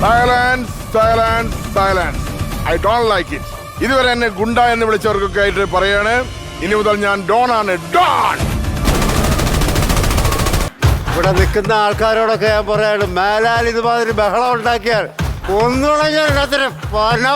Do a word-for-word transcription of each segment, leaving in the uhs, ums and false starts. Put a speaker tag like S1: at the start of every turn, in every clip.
S1: Silence silence silence I don't like it. ഇതുവരെ എന്നെ ഗുണ്ട എന്ന് വിളിച്ചവർക്കൊക്കെ ആയിട്ട് പറയാണ്, ഇനി മുതൽ ഞാൻ ഡോൺ ആണ്. ഡോൺ.
S2: ഇവിടെ നിൽക്കുന്ന ആൾക്കാരോടൊക്കെ ഞാൻ പറയാണ്, മേലാൽ ഇതുമാതിരി ബഹളം ഉണ്ടാക്കിയാൽ ഒന്നുണഞ്ഞൊരു പണം.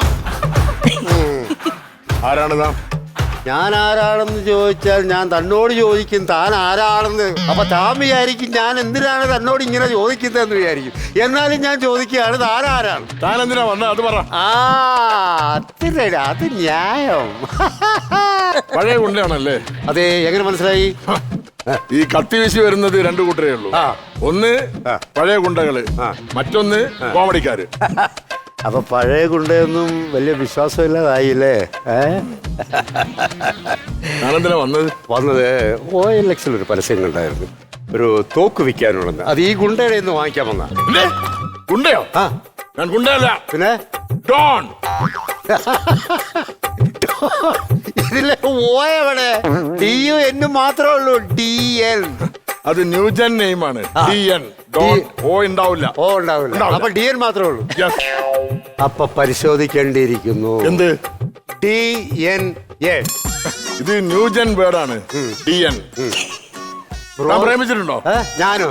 S1: ആരാണ് താൻ?
S2: ഞാൻ ആരാണെന്ന് ചോദിച്ചാൽ ഞാൻ തന്നോട് ചോദിക്കും താൻ ആരാണെന്ന്. അപ്പൊ താൻ വിചാരിക്കും ഞാൻ എന്തിനാണ് തന്നോട് ഇങ്ങനെ ചോദിക്കുന്നതെന്ന് വിചാരിക്കും. എന്നാലും ഞാൻ ചോദിക്കുകയാണ് താൻ ആരാണ്.
S1: താൻ എന്തിനാ വന്നത് അത് പറ.
S2: ആ അത് അത് ന്യായം.
S1: പഴയ ഗുണ്ടയാണല്ലേ?
S2: അതെ. എങ്ങനെ മനസ്സിലായി?
S1: ഈ കത്തി വീശി വരുന്നത് രണ്ടു കൂട്ടരേ ഉള്ളൂ. ഒന്ന് പഴയ ഗുണ്ടകള്, മറ്റൊന്ന് കോമഡിക്കാര്.
S2: അപ്പൊ പഴയ ഗുണ്ടയൊന്നും വലിയ വിശ്വാസമില്ലാതായില്ലേ?
S1: ഞാനെന്തിനാ വന്നത്?
S2: വന്നത് ഓ എൽ എക്സിൽ ഒരു പരസ്യം കണ്ടായിരുന്നു, ഒരു തോക്ക് വിൽക്കാനുള്ളത്. അത് ഈ ഗുണ്ടയുടെ നിന്ന് വാങ്ങിക്കാൻ വന്ന.
S1: ഗുണ്ടയോ? ആ, ഞാൻ ഗുണ്ടയല്ല.
S2: പിന്നെ
S1: ഡോൺ.
S2: ഇതിലെ ഓയവിടെ ഡിയും എന്നും മാത്രമേ ഉള്ളൂ. ഡി എൻ
S1: അത് ന്യൂജൻ നെയിമാണ്. D N. ഡോൺ. ഓ ഉണ്ടാവില്ല.
S2: ഓ ഉണ്ടാവില്ല. അപ്പൊ ഡി എൻ മാത്രമേ ഉള്ളൂ. അപ്പൊ പരിശോധിക്കേണ്ടിയിരിക്കുന്നു.
S1: എന്ത്?
S2: D N A.
S1: ഇത് ന്യൂജൻ വേർഡാണ്. D N. പ്രേമിച്ചിട്ടുണ്ടോ?
S2: ഞാനോ?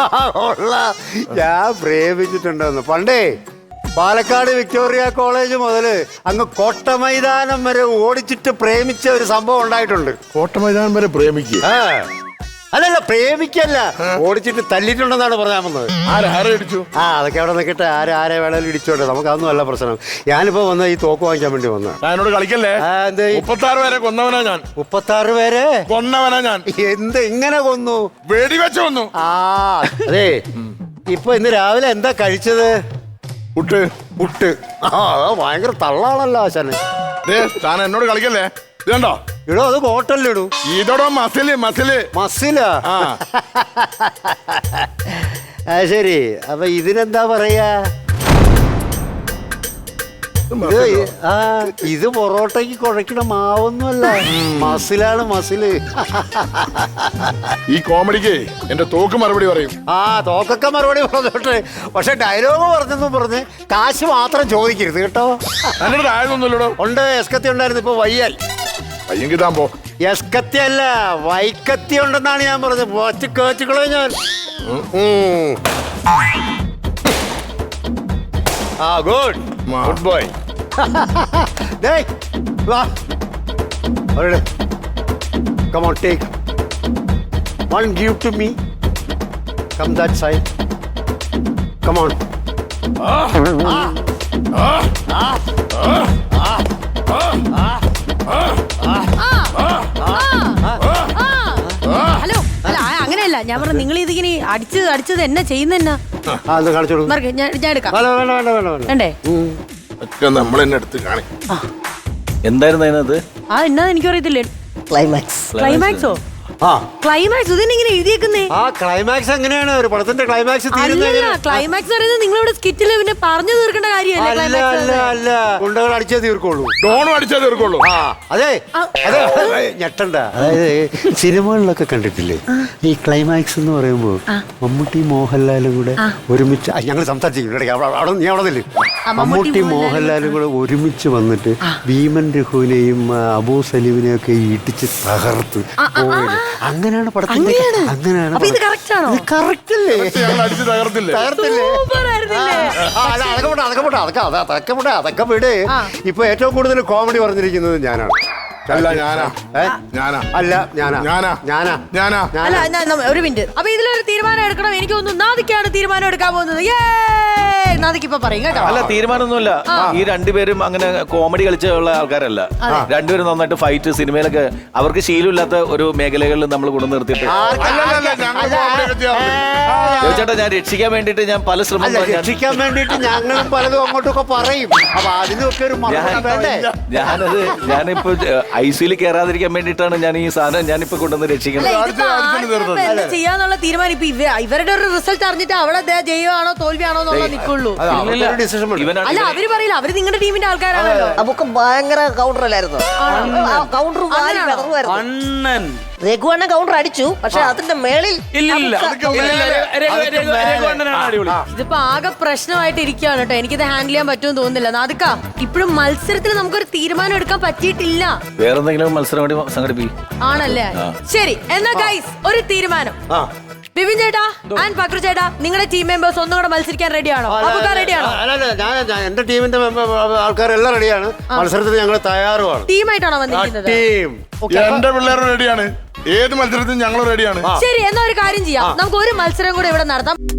S2: ഞാൻ പ്രേമിച്ചിട്ടുണ്ടോന്ന് പണ്ടേ പാലക്കാട് വിക്ടോറിയ കോളേജ് മുതല് അങ്ങ് കോട്ട മൈതാനം വരെ ഓടിച്ചിട്ട് പ്രേമിച്ച ഒരു സംഭവം ഉണ്ടായിട്ടുണ്ട്.
S1: കോട്ട മൈതാനം വരെ പ്രേമിക്കുക?
S2: അല്ലല്ല, പ്രേമിക്കല്ല, ഓടിച്ചിട്ട് തല്ലിട്ടുണ്ടെന്നാണ് പറയാൻ വന്നത്.
S1: ആരെ ഇടിച്ചു?
S2: ആ അതൊക്കെ അവിടെ നിൽക്കട്ടെ, ആരെ ആരെ വേണേലും ഇടിച്ചോട്ടെ, നമുക്ക് അതൊന്നും അല്ല പ്രശ്നം. ഞാനിപ്പോ വന്ന ഈ തോക്ക് വാങ്ങിക്കാൻ വേണ്ടി വന്ന.
S1: എന്നോട് കളിക്കല്ലേ? മുപ്പത്താറ് പേരെ കൊന്നവനാ ഞാൻ.
S2: മുപ്പത്താറ് പേരെ
S1: കൊന്നവനാ ഞാൻ.
S2: എന്ത് ഇങ്ങനെ കൊന്നു?
S1: വെടിവെച്ച് കൊന്നു.
S2: ആ അതെ. ഇപ്പൊ ഇന്ന് രാവിലെ എന്താ കഴിച്ചത്?
S1: പുട്ട്.
S2: പുട്ട്. ആ ഭയങ്കര തള്ളാണല്ലോ ആശാന്.
S1: താൻ എന്നോട് കളിക്കല്ലേ? ഇതുണ്ടോ?
S2: ഇടോ അത് ഹോട്ടലിലിടൂ.
S1: ഇതോടോ മസില് മസില്
S2: മസിലാ? ആ ശരി. അപ്പൊ ഇതിനെന്താ പറയാ? ആ ഇത് പൊറോട്ടയ്ക്ക് കുഴക്കണ മാവൊന്നുമല്ല, മസിലാണ് മസില്.
S1: ഈ കോമഡിക്ക് എന്റെ തോക്ക് മറുപടി പറയും.
S2: ആ തോക്കൊക്കെ മറുപടി പറഞ്ഞോട്ടെ, പക്ഷെ ഡയലോഗ് പറഞ്ഞെന്നും പറഞ്ഞ് കാശ് മാത്രം ചോദിക്കരുത് കേട്ടോ.
S1: എന്നോട് ആയതൊന്നുമില്ലടോ.
S2: ഉണ്ട്, എസ്കത്തി ഉണ്ടായിരുന്നു, ഇപ്പൊ വയ്യാൽ.
S1: വയ്യെങ്കിൽ താൻ പോ.
S2: എസ്കത്തി അല്ല, വൈക്കത്തി ഉണ്ടെന്നാണ് ഞാൻ പറഞ്ഞത്. പോച്ച് കേച്ചുകളോ ഞാൻ. ആ good good boy. Come on, take one. Give to me. Come that side. Come on.
S3: Hello. അല്ല അങ്ങനെയല്ല ഞാൻ പറഞ്ഞു, നിങ്ങൾ ഇതിങ്ങനെ അടിച്ച് അടിച്ചത് എന്നെ ചെയ്യുന്ന ഞാൻ എടുക്കാം. വേണ്ടേ?
S1: നമ്മൾ എന്നെ എടുത്ത് കാണി.
S4: എന്തായിരുന്നു അതിനകത്ത്?
S3: ആ എന്നാ എനിക്കറിയത്തില്ലേ.
S2: ക്ലൈമാക്സ്.
S3: ക്ലൈമാക്സോ?
S2: ആ
S3: ക്ലൈമാക്സ് ഇതിനെങ്ങനെ എഴുതിയേക്കുന്നേ?
S2: ആ ക്ലൈമാക്സ് എങ്ങനെയാണ് ഒരു പടത്തിന്റെ ക്ലൈമാക്സ്?
S3: ക്ലൈമാക്സ് പറയുന്നത് നിങ്ങളിവിടെ സ്കിറ്റില് പിന്നെ പറഞ്ഞു തീർക്കേണ്ട കാര്യമല്ലേ?
S2: ഗുണ്ടകൾ അടിച്ചേ തീർക്കുള്ളൂ.
S1: ഡോണും അടിച്ചേ തീർക്കുള്ളൂ.
S2: ആ അതെ അതെ. ഞെട്ടണ്ട. അതായത് സിനിമകളിലൊക്കെ കണ്ടിട്ടില്ലേ ഈ ക്ലൈമാക്സ് എന്ന് പറയുമ്പോൾ മമ്മൂട്ടി മോഹൻലാലും കൂടെ ഒരുമിച്ച് ഞങ്ങൾ സംസാരിച്ചിട്ടുണ്ട്. നീ അവിടെ നില്ല്. മമ്മൂട്ടി മോഹൻലാലും കൂടെ ഒരുമിച്ച് വന്നിട്ട് ഭീമൻ രഘുവിനെയും അബൂ സലീമിനെയും ഒക്കെ ഇടിച്ച് തകർത്ത് അങ്ങനെയാണ് പടത്തിന്റെ. അങ്ങനെയാണ്. അതൊക്കെ വിട്. ഇപ്പൊ ഏറ്റവും കൂടുതൽ കോമഡി പറഞ്ഞിരിക്കുന്നത് ഞാനാണ്.
S1: അല്ല ഞാനാ ഞാനാ
S2: അല്ല ഞാനാ
S1: ഞാനാ
S2: ഞാനാ
S1: ഞാനാ
S3: അല്ല ഒരു മിനിറ്റ്. അപ്പൊ ഇതിലൊരു തീരുമാനം എടുക്കണം. എനിക്ക് തോന്നുന്നു നാദിക്കാണ് തീരുമാനം എടുക്കാൻ പോകുന്നത്. നാദിക്ക് ഇപ്പൊ പറയും കേട്ടോ.
S4: അല്ല തീരുമാനമൊന്നുമില്ല. ഈ രണ്ടുപേരും അങ്ങനെ കോമഡി കളിച്ചുള്ള ആൾക്കാരല്ല. രണ്ടുപേരും നന്നായിട്ട് ഫൈറ്റ് സിനിമയിലൊക്കെ അവർക്ക് ശീലമില്ലാത്ത ഒരു മേഖലകളിൽ നമ്മൾ കൊണ്ടു നിർത്തിയിട്ട് ചേട്ടാ ഞാൻ രക്ഷിക്കാൻ വേണ്ടിട്ട് ഞാൻ പല ശ്രമം
S2: രക്ഷിക്കാൻ വേണ്ടിട്ട് ഞങ്ങളും പലതും അങ്ങോട്ടൊക്കെ പറയും. അപ്പൊ അതിനൊക്കെ ഒരു
S4: ഞാനത് ഞാനിപ്പോ ഐ സിയിൽ കയറാതിരിക്കാൻ വേണ്ടിയിട്ടാണ് ഞാൻ ഈ സാധനം ഞാനിപ്പോ കൊണ്ടുവന്ന്
S3: അല്ല,
S4: രക്ഷിക്കുന്നത്.
S3: ഇതിപ്പോ
S1: അടുത്ത- അടുത്ത
S3: ആർക്കും
S1: തീർന്നത്.
S3: ഇപ്പൊ എന്ത് ചെയ്യാന്നുള്ള തീരുമാനം ഇപ്പൊ ഇവ ഇവരുടെ ഒരു റിസൾട്ട് അറിഞ്ഞിട്ട് അവിടെ ദേ ജയമാണോ തോൽവിയാണോ എന്നുള്ള നിൽക്കുള്ളൂ.
S2: അത് അവരുടെ ഡിസിഷൻ
S4: ഇവനാണ്
S3: അല്ല അവര് പറയില്ല, അവര് നിങ്ങളുടെ ടീമിന്റെ ആൾക്കാരാണല്ലോ.
S5: നമുക്ക് ഭയങ്കര കൗണ്ടർ അല്ലായിരുന്നു കൗണ്ടർ
S6: അണ്ണൻ
S5: രഘുവണ്ണ കൗണ്ടർ അടിച്ചു, പക്ഷെ അതിന്റെ മേളിൽ
S6: ഇല്ലില്ല
S5: നമുക്ക്
S6: ഇല്ലില്ല, രഘു- രഘു- രഘുവണ്ണനാണ് അടിപൊളി.
S3: ഇതിപ്പോ ആകെ പ്രശ്നമായിട്ട് ഇരിക്കുകയാണ് കേട്ടോ. എനിക്കിത് ഹാൻഡിൽ ചെയ്യാൻ പറ്റുമെന്ന് തോന്നുന്നില്ല. നാദിക്ക, ഇപ്പോഴും മത്സരത്തിൽ നമുക്കൊരു തീരുമാനം എടുക്കാൻ പറ്റിയിട്ടില്ല.
S4: വേറെ എന്തെങ്കിലും മത്സരം കൂടി സംഘടിപ്പിക്കും.
S3: ആണല്ലേ? ശരി, എന്നാ ഗൈസ് ഒരു തീരുമാനം. ബിബിൻ ചേട്ടാ ആൻഡ് പക്രു ചേട്ടാ, നിങ്ങളുടെ ടീം മെമ്പേഴ്സ് ഒന്നും കൂടെ മത്സരിക്കാൻ റെഡിയാണോ? അപ്പൊ റെഡിയാണോ?
S2: അല്ലല്ല ഞാൻ ഞാൻ- എന്റെ ടീമിന്റെ ആൾക്കാരെല്ലാം റെഡിയാണ്. മത്സരത്തിന് ഞങ്ങൾ തയ്യാറുമാണ്.
S3: ടീമായിട്ടാണോ വന്നിരിക്കുന്നത്?
S2: ടീം
S1: എന്റെ പിള്ളേരും റെഡിയാണ്. ഏത് മത്സരത്തിനും ഞങ്ങൾ റെഡിയാണ്.
S3: ശരി, എന്നാ ഒരു കാര്യം ചെയ്യാം, നമുക്ക് ഒരു മത്സരം കൂടെ ഇവിടെ നടത്താം.